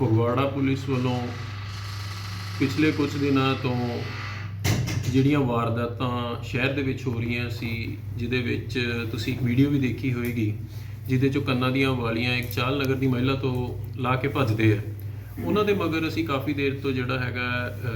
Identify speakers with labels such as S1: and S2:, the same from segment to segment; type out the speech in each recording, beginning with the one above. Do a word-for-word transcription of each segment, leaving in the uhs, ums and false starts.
S1: Phagwara police ਵੱਲੋਂ ਪਿਛਲੇ ਕੁਝ ਦਿਨਾਂ ਤੋਂ ਜਿਹੜੀਆਂ ਵਾਰਦਾਤਾਂ ਸ਼ਹਿਰ ਦੇ ਵਿੱਚ ਹੋ ਰਹੀਆਂ ਸੀ, ਜਿਹਦੇ ਵਿੱਚ ਤੁਸੀਂ ਇੱਕ ਵੀਡੀਓ ਵੀ ਦੇਖੀ ਹੋਏਗੀ, ਜਿਹਦੇ 'ਚੋਂ ਕੰਨਾਂ ਦੀਆਂ ਵਾਲੀਆਂ ਇੱਕ ਚਾਲ ਨਗਰ ਦੀ ਮਹਿਲਾ ਤੋਂ ਲਾ ਕੇ ਭੱਜਦੇ ਆ, ਉਹਨਾਂ ਦੇ ਮਗਰ ਅਸੀਂ ਕਾਫੀ ਦੇਰ ਤੋਂ ਜਿਹੜਾ ਹੈਗਾ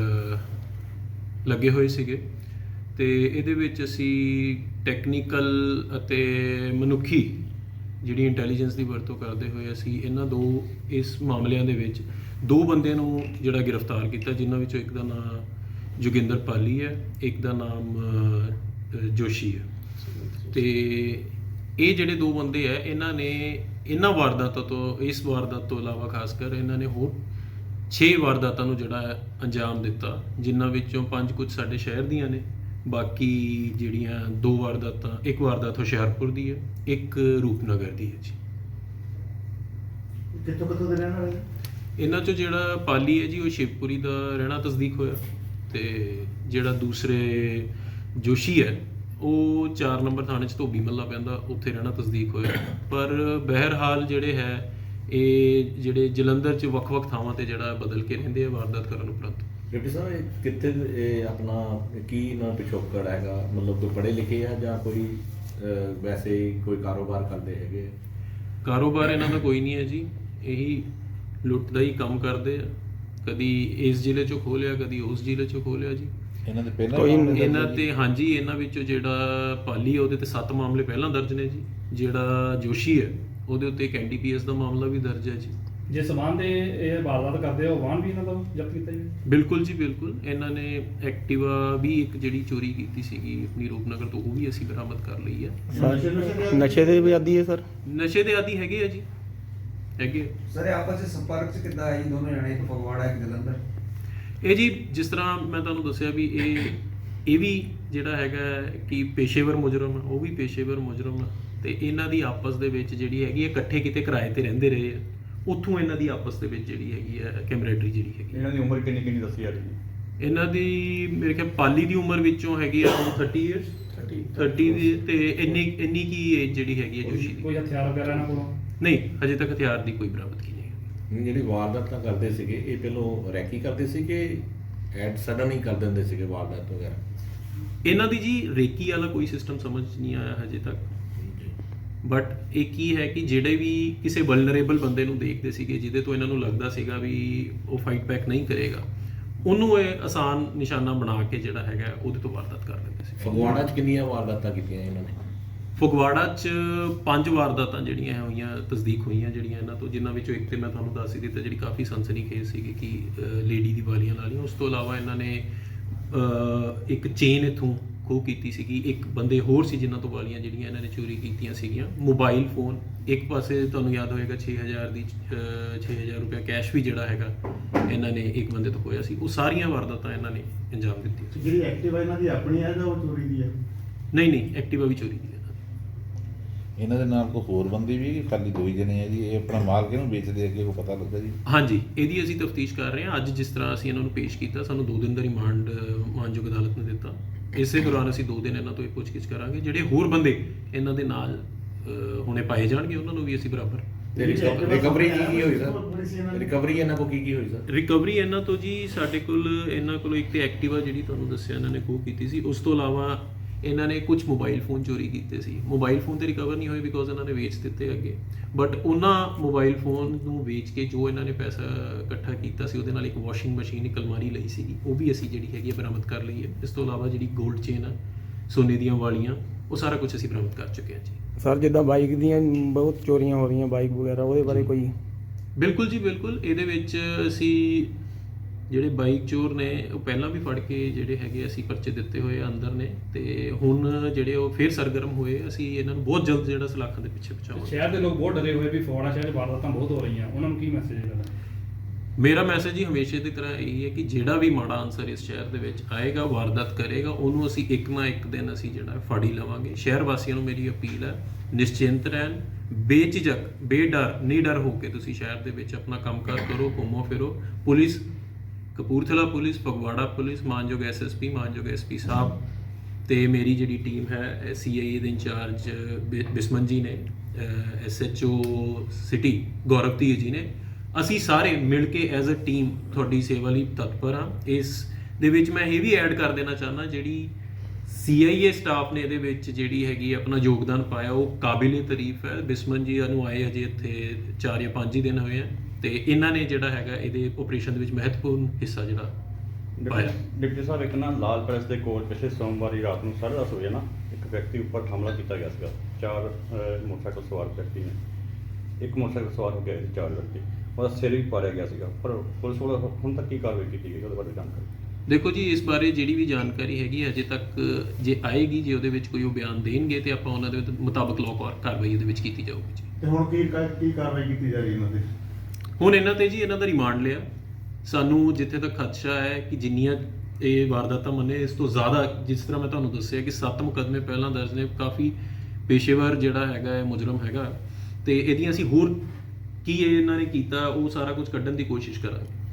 S1: ਲੱਗੇ ਹੋਏ ਸੀਗੇ। ਤੇ ਇਹਦੇ ਵਿੱਚ ਅਸੀਂ ਟੈਕਨੀਕਲ ਅਤੇ ਮਨੁੱਖੀ ਜਿਹੜੀ ਇੰਟੈਲੀਜੈਂਸ ਦੀ ਵਰਤੋਂ ਕਰਦੇ ਹੋਏ ਅਸੀਂ ਇਹਨਾਂ ਦੋ ਇਸ ਮਾਮਲਿਆਂ ਦੇ ਵਿੱਚ ਦੋ ਬੰਦਿਆਂ ਨੂੰ ਜਿਹੜਾ ਗ੍ਰਿਫਤਾਰ ਕੀਤਾ, ਜਿਨ੍ਹਾਂ ਵਿੱਚੋਂ ਇੱਕ ਦਾ ਨਾਮ ਜੋਗਿੰਦਰ ਪਾਲੀ ਹੈ, ਇੱਕ ਦਾ ਨਾਮ ਜੋਸ਼ੀ ਹੈ। ਤੇ ਇਹ ਜਿਹੜੇ ਦੋ ਬੰਦੇ ਹੈ, ਇਹਨਾਂ ਨੇ ਇਹਨਾਂ ਵਾਰਦਾਤਾਂ ਤੋਂ ਇਸ ਵਾਰਦਾਤ ਤੋਂ ਇਲਾਵਾ ਖਾਸ ਕਰ ਇਹਨਾਂ ਨੇ ਹੋਰ ਛੇ ਵਾਰਦਾਤਾਂ ਨੂੰ ਜਿਹੜਾ ਅੰਜਾਮ ਦਿੱਤਾ, ਜਿਨ੍ਹਾਂ ਵਿੱਚੋਂ ਪੰਜ ਕੁਝ ਸਾਡੇ ਸ਼ਹਿਰ ਦੀਆਂ ਨੇ, ਬਾਕੀ ਜਿਹੜੀਆਂ ਦੋ ਵਾਰਦਾਤਾਂ, ਇੱਕ ਵਾਰਦਾਤ ਹੁਸ਼ਿਆਰਪੁਰ ਦੀ ਹੈ, ਇੱਕ ਰੂਪਨਗਰ ਦੀ ਹੈ ਜੀ।
S2: ਕਿੱਥੋਂ ਕਿੱਥੋਂ ਦੇ ਰਹਿਣ ਵਾਲੇ?
S1: ਇਹਨਾਂ 'ਚੋਂ ਜਿਹੜਾ ਪਾਲੀ ਹੈ ਜੀ, ਉਹ ਸ਼ਿਵਪੁਰੀ ਦਾ ਰਹਿਣਾ ਤਸਦੀਕ ਹੋਇਆ, ਤੇ ਜਿਹੜਾ ਦੂਸਰੇ ਜੋਸ਼ੀ ਹੈ ਉਹ ਚਾਰ ਨੰਬਰ ਥਾਣੇ 'ਚ ਧੋਬੀ ਮੱਲਾ ਪੈਂਦਾ, ਉੱਥੇ ਰਹਿਣਾ ਤਸਦੀਕ ਹੋਇਆ। ਪਰ ਬਹਿਰਹਾਲ ਜਿਹੜੇ ਹੈ ਇਹ ਜਿਹੜੇ ਜਲੰਧਰ 'ਚ ਵੱਖ-ਵੱਖ ਥਾਵਾਂ ਤੇ ਜਿਹੜਾ ਬਦਲ ਕੇ ਰਹਿੰਦੇ ਆ ਵਾਰਦਾਤ ਕਰਨ ਉਪਰੰਤ।
S3: ਡਿਪਟੀ ਸਾਹਿਬ, ਇਹ ਕਿੱਥੇ ਇਹ ਆਪਣਾ ਕੀ ਨਾ ਪਿਛੋਕੜ ਹੈਗਾ? ਮਤਲਬ ਕੋਈ ਪੜ੍ਹੇ ਲਿਖੇ ਆ ਜਾਂ ਕੋਈ ਵੈਸੇ ਹੀ ਕੋਈ ਕਾਰੋਬਾਰ ਕਰਦੇ ਹੈਗੇ?
S1: ਕਾਰੋਬਾਰ ਇਹਨਾਂ ਦਾ ਕੋਈ ਨਹੀਂ ਹੈ ਜੀ, ਇਹੀ ਲੁੱਟ ਦਾ ਹੀ ਕੰਮ ਕਰਦੇ ਆ। ਕਦੀ ਇਸ ਜ਼ਿਲ੍ਹੇ 'ਚੋਂ ਖੋਲਿਆ, ਕਦੀ ਉਸ ਜ਼ਿਲ੍ਹੇ 'ਚੋਂ ਖੋਲਿਆ ਜੀ।
S3: ਇਹਨਾਂ ਦੇ ਪਹਿਲਾਂ
S1: ਕੋਈ ਇਹਨਾਂ ਤੇ ਹਾਂਜੀ, ਇਹਨਾਂ ਵਿੱਚੋਂ ਜਿਹੜਾ ਪਾਲੀ ਹੈ ਉਹਦੇ ਤੇ ਸੱਤ ਮਾਮਲੇ ਪਹਿਲਾਂ ਦਰਜ ਨੇ ਜੀ। ਜਿਹੜਾ ਜੋਸ਼ੀ ਹੈ ਉਹਦੇ ਉੱਤੇ ਇੱਕ ਐਨ ਡੀ ਪੀ ਐਸ ਦਾ ਮਾਮਲਾ ਵੀ ਦਰਜ ਹੈ ਜੀ।
S4: ਜੇ ਸਮਾਨ ਦੇ ਇਹ ਵਾਰਦਾਤ ਕਰਦੇ ਆ, ਉਹ ਵਾਹਨ ਵੀ ਇਹਨਾਂ ਦਾ ਜ਼ਬਤ ਕੀਤਾ ਜੀ?
S1: ਬਿਲਕੁਲ ਜੀ ਬਿਲਕੁਲ। ਇਹਨਾਂ ਨੇ ਐਕਟਿਵਾ ਵੀ ਇੱਕ ਜਿਹੜੀ ਚੋਰੀ ਕੀਤੀ ਸੀਗੀ ਆਪਣੀ ਰੂਪਨਗਰ ਤੋਂ, ਉਹ ਵੀ ਅਸੀਂ ਬਰਾਮਦ ਕਰ ਲਈ ਹੈ।
S2: ਨਸ਼ੇ ਦੇ ਵੀ ਆਦੀ ਹੈ ਸਰ?
S1: ਨਸ਼ੇ ਦੇ ਆਦੀ ਹੈਗੇ ਆ ਜੀ, ਹੈਗੇ।
S5: ਸਰ ਆਪਸ ਵਿੱਚ ਸੰਪਰਕ 'ਚ ਕਿੱਦਾਂ ਆਏ ਦੋਨੋਂ ਜਣੇ, ਇੱਕ ਫਗਵਾੜਾ ਇੱਕ ਜਲੰਧਰ?
S1: ਇਹ ਜੀ ਜਿਸ ਤਰ੍ਹਾਂ ਮੈਂ ਤੁਹਾਨੂੰ ਦੱਸਿਆ ਵੀ ਇਹ ਇਹ ਵੀ ਜਿਹੜਾ ਹੈਗਾ ਕਿ ਪੇਸ਼ੇਵਰ ਮੁਜਰਮ ਆ, ਉਹ ਵੀ ਪੇਸ਼ੇਵਰ ਮੁਜਰਮ ਆ, ਤੇ ਇਹਨਾਂ ਦੀ ਆਪਸ ਦੇ ਵਿੱਚ ਜਿਹੜੀ ਹੈਗੀ ਹੈ, ਇਕੱਠੇ ਕਿਤੇ ਕਿਰਾਏ ਤੇ ਰਹਿੰਦੇ ਰਹੇ ਆ, ਉੱਥੋਂ ਇਹਨਾਂ ਦੀ ਆਪਸ ਦੇ ਵਿੱਚ ਜਿਹੜੀ ਹੈਗੀ ਹੈ ਕੈਮਰੇਡਰੀ ਜਿਹੜੀ ਹੈਗੀ।
S6: ਇਹਨਾਂ ਦੀ ਉਮਰ ਕਿੰਨੀ ਕਿੰਨੀ ਦੱਸੀ ਜਾ ਰਹੀ ਹੈ?
S1: ਇਹਨਾਂ ਦੀ ਮੇਰੇ ਖਿਆਲ ਪਾਲੀ ਦੀ ਉਮਰ ਵਿੱਚੋਂ ਹੈਗੀ ਆ ਥਰਟੀ ਇਅਰਸ, ਥਰਟੀ ਦੀ, ਤੇ ਇੰਨੀ ਇੰਨੀ ਕੀ ਏਜ ਜਿਹੜੀ ਹੈਗੀ ਹੈ ਜੋਸ਼ੀ ਦੀ।
S4: ਕੋਈ ਹਥਿਆਰ ਵਗੈਰਾ ਇਹਨਾਂ ਕੋਲੋਂ
S1: ਨਹੀਂ, ਹਜੇ ਤੱਕ ਹਥਿਆਰ ਦੀ ਕੋਈ ਬਰਾਮਦ ਕੀ ਨਹੀਂ।
S3: ਜਿਹੜੀ ਵਾਰਦਾਤਾਂ ਕਰਦੇ ਸੀਗੇ, ਇਹ ਪਹਿਲੋਂ ਰੈਕੀ ਕਰਦੇ ਸੀ ਕਿ ਐਡ ਸਡਨ ਹੀ ਕਰ ਦਿੰਦੇ ਸੀਗੇ ਵਾਰਦਾਤ ਵਗੈਰਾ?
S1: ਇਹਨਾਂ ਦੀ ਜੀ ਰੇਕੀ ਵਾਲਾ ਕੋਈ ਸਿਸਟਮ ਸਮਝ ਨਹੀਂ ਆਇਆ ਹਜੇ ਤੱਕ, ਬਟ ਇਹ ਕੀ ਹੈ ਕਿ ਜਿਹੜੇ ਵੀ ਕਿਸੇ ਵਲਨਰੇਬਲ ਬੰਦੇ ਨੂੰ ਦੇਖਦੇ ਸੀਗੇ, ਜਿਹਦੇ ਤੋਂ ਇਹਨਾਂ ਨੂੰ ਲੱਗਦਾ ਸੀਗਾ ਵੀ ਉਹ ਫਾਈਟ ਬੈਕ ਨਹੀਂ ਕਰੇਗਾ, ਉਹਨੂੰ ਇਹ ਆਸਾਨ ਨਿਸ਼ਾਨਾ ਬਣਾ ਕੇ ਜਿਹੜਾ ਹੈਗਾ ਉਹਦੇ ਤੋਂ ਵਾਰਦਾਤ ਕਰ ਦਿੰਦੇ ਸੀ।
S3: ਫਗਵਾੜਾ 'ਚ ਕਿੰਨੀਆਂ ਵਾਰਦਾਤਾਂ ਕੀਤੀਆਂ ਇਹਨਾਂ ਨੇ?
S1: ਫਗਵਾੜਾ 'ਚ ਪੰਜ ਵਾਰਦਾਤਾਂ ਜਿਹੜੀਆਂ ਹੋਈਆਂ ਤਸਦੀਕ ਹੋਈਆਂ ਜਿਹੜੀਆਂ ਇਹਨਾਂ ਤੋਂ, ਜਿਨ੍ਹਾਂ ਵਿੱਚੋਂ ਇੱਕ ਤੇ ਮੈਂ ਤੁਹਾਨੂੰ ਦੱਸ ਹੀ ਦਿੱਤਾ ਜਿਹੜੀ ਕਾਫੀ ਸਨਸਨੀਖੇਜ਼ ਸੀਗੀ ਕਿ ਲੇਡੀ ਦੀ ਵਾਲੀਆਂ ਲਾ ਲਈਆਂ। ਉਸ ਤੋਂ ਇਲਾਵਾ ਇਹਨਾਂ ਨੇ ਇੱਕ ਚੇਨ ਇੱਥੋਂ ਖੋਹ ਕੀਤੀ ਸੀਗੀ, ਇੱਕ ਬੰਦੇ ਹੋਰ ਸੀ ਜਿਨ੍ਹਾਂ ਤੋਂ ਵਾਲੀਆਂ ਜਿਹੜੀਆਂ ਇਹਨਾਂ ਨੇ ਚੋਰੀ ਕੀਤੀਆਂ ਸੀਗੀਆਂ। ਮੋਬਾਈਲ ਫੋਨ ਇੱਕ ਪਾਸੇ ਤੁਹਾਨੂੰ ਯਾਦ ਹੋਏਗਾ ਛੇ ਹਜ਼ਾਰ ਦੀ ਛੇ ਹਜ਼ਾਰ ਰੁਪਇਆ ਕੈਸ਼ ਵੀ ਜਿਹੜਾ ਹੈਗਾ ਇਹਨਾਂ ਨੇ ਇੱਕ ਬੰਦੇ ਤੋਂ ਖੋਇਆ ਸੀ। ਉਹ ਸਾਰੀਆਂ ਵਾਰਦਾਤਾਂ ਇਹਨਾਂ ਨੇ ਅੰਜਾਮ ਦਿੱਤੀਆਂ।
S2: ਜਿਹੜੀ ਐਕਟਿਵਾ ਇਹਨਾਂ ਦੀ ਆਪਣੀ ਹੈ ਜਾਂ ਉਹ ਚੋਰੀ ਦੀ ਹੈ?
S1: ਨਹੀਂ ਨਹੀਂ, ਐਕਟਿਵਾ ਵੀ ਚੋਰੀ ਦੀ ਹੈ।
S7: ਇਹਨਾਂ ਦੇ ਨਾਲ ਕੋਈ ਹੋਰ ਬੰਦੇ ਵੀ ਖਾਲੀ ਦੋ ਹੀ ਜਣੇ ਆ ਜੀ? ਇਹ ਆਪਣਾ ਮਾਲ ਕਿਹਨੂੰ ਵੇਚਦੇ ਅੱਗੇ ਕੋਈ ਪਤਾ ਲੱਗਾ ਜੀ?
S1: ਹਾਂਜੀ, ਇਹਦੀ ਅਸੀਂ ਤਫਤੀਸ਼ ਕਰ ਰਹੇ ਹਾਂ। ਅੱਜ ਜਿਸ ਤਰ੍ਹਾਂ ਅਸੀਂ ਇਹਨਾਂ ਨੂੰ ਪੇਸ਼ ਕੀਤਾ, ਸਾਨੂੰ ਦੋ ਦਿਨ ਦਾ ਰਿਮਾਂਡ ਮਾਨਯੋਗ ਅਦਾਲਤ ਨੇ ਦਿੱਤਾ। ਇਸੇ ਦੌਰਾਨ ਅਸੀਂ ਦੋ ਦਿਨ ਇਹਨਾਂ ਤੋਂ ਇਹ ਪੁੱਛਗਿੱਛ ਕਰਾਂਗੇ। ਜਿਹੜੇ ਹੋਰ ਬੰਦੇ ਇਹਨਾਂ ਦੇ ਨਾਲ ਹੁਣੇ ਪਾਏ ਜਾਣਗੇ, ਉਹਨਾਂ ਨੂੰ ਵੀ ਅਸੀਂ ਬਰਾਬਰ।
S3: ਰਿਕਵਰੀ ਕੀ ਕੀ ਹੋਈ ਸਰ? ਰਿਕਵਰੀ ਇਹਨਾਂ ਕੋਲ ਕੀ ਕੀ ਹੋਈ ਸਰ?
S1: ਰਿਕਵਰੀ ਇਹਨਾਂ ਤੋਂ ਜੀ ਸਾਡੇ ਕੋਲ ਇਹਨਾਂ ਕੋਲ ਇੱਕ ਤੇ ਐਕਟਿਵਾ ਜਿਹੜੀ ਤੁਹਾਨੂੰ ਦੱਸਿਆ ਇਹਨਾਂ ਨੇ ਖੋਹ ਕੀਤੀ ਸੀ। ਉਸ ਤੋਂ ਇਲਾਵਾ ਇਹਨਾਂ ਨੇ ਕੁਝ ਮੋਬਾਈਲ ਫੋਨ ਚੋਰੀ ਕੀਤੇ ਸੀ। ਮੋਬਾਈਲ ਫੋਨ ਤੇ ਰਿਕਵਰ ਨਹੀਂ ਹੋਏ ਬਿਕੋਜ਼ ਇਹਨਾਂ ਨੇ ਵੇਚ ਦਿੱਤੇ ਅੱਗੇ, ਬਟ ਉਹਨਾਂ ਮੋਬਾਈਲ ਫੋਨ ਨੂੰ ਵੇਚ ਕੇ ਜੋ ਇਹਨਾਂ ਨੇ ਪੈਸਾ ਇਕੱਠਾ ਕੀਤਾ ਸੀ, ਉਹਦੇ ਨਾਲ ਇੱਕ ਵਾਸ਼ਿੰਗ ਮਸ਼ੀਨ, ਇੱਕ ਅਲਮਾਰੀ ਲਈ ਸੀਗੀ, ਉਹ ਵੀ ਅਸੀਂ ਜਿਹੜੀ ਹੈਗੀ ਬਰਾਮਦ ਕਰ ਲਈ ਹੈ। ਇਸ ਤੋਂ ਇਲਾਵਾ ਜਿਹੜੀ ਗੋਲਡ ਚੇਨ ਆ, ਸੋਨੇ ਦੀਆਂ ਵਾਲੀਆਂ, ਉਹ ਸਾਰਾ ਕੁਝ ਅਸੀਂ ਬਰਾਮਦ ਕਰ ਚੁੱਕੇ ਹਾਂ ਜੀ।
S2: ਸਰ ਜਿੱਦਾਂ ਬਾਈਕ ਦੀਆਂ ਬਹੁਤ ਚੋਰੀਆਂ ਹੋ ਰਹੀਆਂ, ਬਾਈਕ ਵਗੈਰਾ, ਉਹਦੇ ਬਾਰੇ ਕੋਈ?
S1: ਬਿਲਕੁਲ ਜੀ ਬਿਲਕੁਲ। ਇਹਦੇ ਵਿੱਚ ਅਸੀਂ ਜਿਹੜੇ ਬਾਈਕ ਚੋਰ ਨੇ ਉਹ ਪਹਿਲਾਂ ਵੀ ਫੜ ਕੇ ਜਿਹੜੇ ਹੈਗੇ ਅਸੀਂ ਪਰਚੇ ਦਿੱਤੇ ਹੋਏ ਆ ਅੰਦਰ ਨੇ, ਤੇ ਹੁਣ ਜਿਹੜੇ ਉਹ ਫਿਰ ਸਰਗਰਮ ਹੋਏ। ਅਸੀਂ ਇਹਨਾਂ ਨੂੰ ਬਹੁਤ ਜਲਦ ਜਿਹੜਾ ਸਲਾਖਾਂ ਦੇ ਪਿੱਛੇ ਪਹੁੰਚਾਵਾਂਗੇ।
S4: ਸ਼ਹਿਰ ਦੇ ਲੋਕ ਬਹੁਤ ਡਰੇ ਹੋਏ ਵੀ ਫਗਵਾੜਾ ਸ਼ਹਿਰ 'ਚ ਵਾਰਦਾਤਾਂ ਬਹੁਤ ਹੋ ਰਹੀਆਂ, ਉਹਨਾਂ ਨੂੰ ਕੀ ਮੈਸੇਜ ਹੈ?
S1: ਮੇਰਾ ਮੈਸੇਜ ਹੀ ਹਮੇਸ਼ਾ ਦੀ ਤਰ੍ਹਾਂ ਇਹੀ ਹੈ ਕਿ ਜਿਹੜਾ ਵੀ ਮਾੜਾ ਅਨਸਰ ਇਸ ਸ਼ਹਿਰ ਦੇ ਵਿੱਚ ਆਏਗਾ, ਵਾਰਦਾਤ ਕਰੇਗਾ, ਉਹਨੂੰ ਅਸੀਂ ਇੱਕ ਨਾ ਇੱਕ ਦਿਨ ਅਸੀਂ ਜਿਹੜਾ ਫੜ ਹੀ ਲਵਾਂਗੇ। ਸ਼ਹਿਰ ਵਾਸੀਆਂ ਨੂੰ ਮੇਰੀ ਅਪੀਲ ਹੈ, ਨਿਸ਼ਚਿੰਤ ਰਹਿਣ, ਬੇਝਿਜਕ, ਬੇਡਰ, ਨਿਡਰ ਹੋ ਕੇ ਤੁਸੀਂ ਸ਼ਹਿਰ ਦੇ ਵਿੱਚ ਆਪਣਾ ਕੰਮਕਾਰ ਕਰੋ, ਘੁੰਮੋ ਫਿਰੋ। Police, Kapurthala police, Phagwara police, ਮਾਨਯੋਗ ਐਸ ਐਸ ਪੀ, ਮਾਨਯੋਗ ਐਸ ਪੀ ਸਾਹਿਬ ਤੇ ਮੇਰੀ ਜਿਹੜੀ ਟੀਮ ਹੈ ਸੀ ਆਈ ਏ ਦੇ ਇੰਚਾਰਜ ਬਿਸਮਨ ਜੀ ਨੇ, S H O city Gaurav Dhir ji ਨੇ, ਅਸੀਂ ਸਾਰੇ ਮਿਲ ਕੇ ਐਜ਼ ਅ ਟੀਮ ਤੁਹਾਡੀ ਸੇਵਾ ਲਈ ਤਤਪਰ ਹਾਂ। ਇਸ ਦੇ ਵਿੱਚ ਮੈਂ ਇਹ ਵੀ ਐਡ ਕਰ ਦੇਣਾ ਚਾਹੁੰਦਾ, ਜਿਹੜੀ ਸੀ ਆਈ ਏ ਸਟਾਫ ਨੇ ਇਹਦੇ ਵਿੱਚ ਜਿਹੜੀ ਹੈਗੀ ਆਪਣਾ ਯੋਗਦਾਨ ਪਾਇਆ ਉਹ ਕਾਬਿਲੇ ਤਾਰੀਫ ਹੈ। ਬਿਸਮਨ ਜੀ ਨੂੰ ਆਏ ਹਜੇ ਇੱਥੇ ਚਾਰ ਜਾਂ ਪੰਜ ਹੀ ਦਿਨ ਹੋਏ ਆ, ਤੇ ਇਹਨਾਂ ਨੇ ਜਿਹੜਾ ਹੈਗਾ ਇਹਦੇ ਆਪਰੇਸ਼ਨ ਦੇ ਵਿੱਚ ਮਹੱਤਵਪੂਰਨ ਹਿੱਸਾ ਜਿਹੜਾ ਪਾਇਆ।
S6: ਡਿਪਟੀ ਸਾਹਿਬ, ਇੱਕ ਨਾ ਲਾਲ ਪੈਲੇਸ ਦੇ ਕੋਲ ਪਿਛਲੇ ਸੋਮਵਾਰੀ ਰਾਤ ਨੂੰ ਸਾਢੇ ਦਸ ਵਜੇ ਨਾ ਇੱਕ ਵਿਅਕਤੀ ਉੱਪਰ ਹਮਲਾ ਕੀਤਾ ਗਿਆ ਸੀਗਾ। ਚਾਰ ਅਹ, ਮੋਟਰਸਾਈਕਲ ਸਵਾਰ ਵਿਅਕਤੀ ਨੇ, ਇੱਕ ਮੋਟਰਸਾਈਕਲ ਸਵਾਰ ਹੋ ਗਿਆ ਸੀ, ਚਾਰ ਵਿਅਕਤੀ, ਉਹਦਾ ਸਿਰ ਵੀ ਪਾੜਿਆ ਗਿਆ ਸੀਗਾ। ਪਰ ਪੁਲਿਸ ਵੱਲੋਂ ਹੁਣ ਤੱਕ ਕੀ ਕਾਰਵਾਈ ਕੀਤੀ ਗਈ ਉਹਦੇ ਬਾਰੇ ਜਾਣਕਾਰੀ?
S1: ਦੇਖੋ ਜੀ, ਇਸ ਬਾਰੇ ਜਿਹੜੀ ਵੀ ਜਾਣਕਾਰੀ ਹੈਗੀ ਅਜੇ ਤੱਕ ਜੇ ਆਏਗੀ, ਜੇ ਉਹਦੇ ਵਿੱਚ ਕੋਈ ਉਹ ਬਿਆਨ ਦੇਣਗੇ ਤੇ ਆਪਾਂ ਉਹਨਾਂ ਦੇ ਮੁਤਾਬਕ ਲਾਅ ਕਾਰਵਾਈ ਇਹਦੇ ਵਿੱਚ ਕੀਤੀ ਜਾਊਗੀ ਜੀ।
S8: ਤੇ ਹੁਣ ਕੀ ਕੀ ਕਾਰਵਾਈ ਕੀਤੀ ਜਾ ਰਹੀ ਇਹਨਾਂ ਤੇ?
S1: ਹੁਣ ਇਹਨਾਂ ਤੇ ਜੀ ਇਹਨਾਂ ਦਾ ਰਿਮਾਂਡ ਲਿਆ। ਸਾਨੂੰ ਜਿੱਥੇ ਤੱਕ ਖਦਸ਼ਾ ਹੈ ਕਿ ਜਿੰਨੀਆਂ ਇਹ ਵਾਰਦਾਤਾਂ ਮੰਨੇ, ਇਸ ਤੋਂ ਜ਼ਿਆਦਾ, ਜਿਸ ਤਰ੍ਹਾਂ ਮੈਂ ਤੁਹਾਨੂੰ ਦੱਸਿਆ ਕਿ ਸੱਤ ਮੁਕੱਦਮੇ ਪਹਿਲਾਂ ਦਰਜ ਨੇ, ਕਾਫੀ ਪੇਸ਼ੇਵਰ ਜਿਹੜਾ ਹੈਗਾ ਹੈ ਮੁਜਰਮ ਹੈਗਾ, ਤੇ ਇਹਦੀਆਂ ਅਸੀਂ ਹੋਰ ਕੀ ਇਹ ਇਹਨਾਂ ਨੇ ਕੀਤਾ ਉਹ ਸਾਰਾ ਕੁਝ ਕੱਢਣ ਦੀ ਕੋਸ਼ਿਸ਼ ਕਰਾਂਗੇ।